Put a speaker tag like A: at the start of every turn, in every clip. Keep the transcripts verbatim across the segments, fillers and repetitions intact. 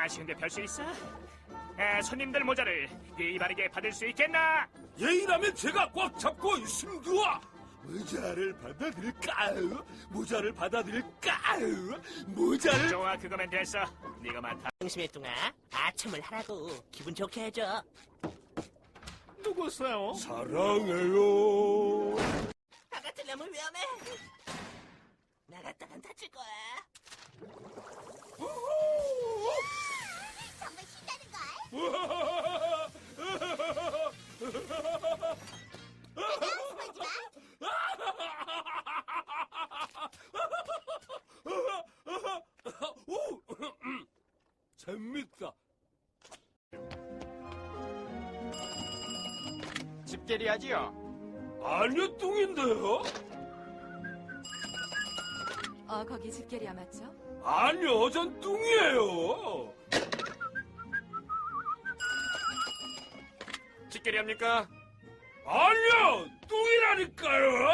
A: 아쉬운데 별 수 있어? 에, 손님들 모자를 예의 바르게 받을 수 있겠나?
B: 예의라면 제가 꽉 잡고 있습니다. 모자를 받아들일까요? 모자를 받아들일까요? 모자를...
A: 좋아, 그거면 됐어. 네가 맡아.
C: 등심의 뚱아, 아첨을 하라고 기분 좋게 해줘.
A: 누구세요?
B: 사랑해요.
C: 나 같으려면 위험해. 나갔다간 다칠 거야.
D: 정말 신나는걸? 숨어있지마.
B: 오, 재밌다.
A: 집게리하지요?
B: 아니요, 뚱인데요?
E: 어, 거기 집게리아 맞죠?
B: 아니요, 전 뚱이에요.
A: 집게리합니까?
B: 아니요, 뚱이라니까요.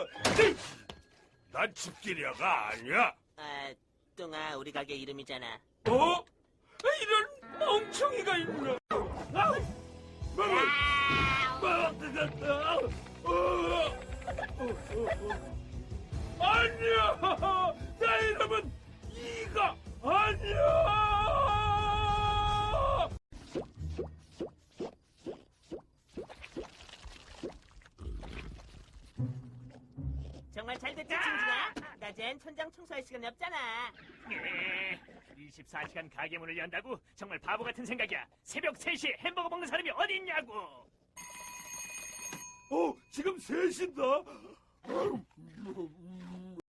B: 난 집게리아가 아니야.
C: 아, 뚱아, 우리 가게 이름이잖아.
B: 어? 이런 멍청이가 있나? 아우! 아니야! 나 이름은 이가 아니야!
C: 정말 잘 됐지, 징징아? 낮엔 천장 청소할 시간이 없잖아.
A: 예, 이십사 시간 가게 문을 연다고? 정말 바보 같은 생각이야. 새벽 세 시에 햄버거 먹는 사람이 어디 있냐고.
B: 어, 지금 셋인다.